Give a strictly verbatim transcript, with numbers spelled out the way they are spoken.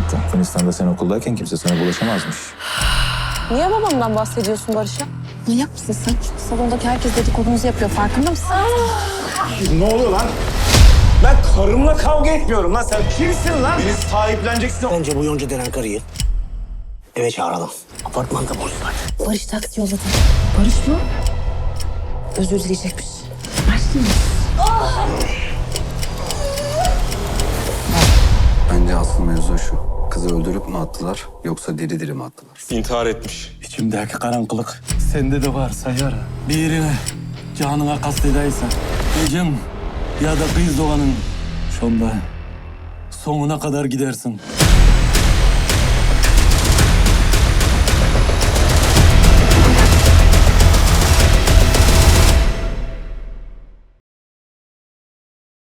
anlattı. Yunanistan'da sen okuldayken kimse sana bulaşamazmış. Niye babamdan bahsediyorsun Barış'a? Manyak mısın sen? Salondaki herkes dedikodunuzu yapıyor, farkında mısın? Ne oluyor lan? Ben karımla kavga etmiyorum lan. Sen kimsin lan? Beni sahipleneceksin. Bence bu Yonca denen karıyı eve çağıralım. Apartmanda boş var. Barış taksi yolladı. Barış mı? Özür dileyecekmiş. Bence asıl mevzu şu. Kızı öldürüp mü attılar yoksa diri diri mi attılar? İntihar etmiş. İçimdeki karanlık sende de var Sayar. Birine canına kastedeysen, ecem ya da kız doğanın şonda sonuna kadar gidersin.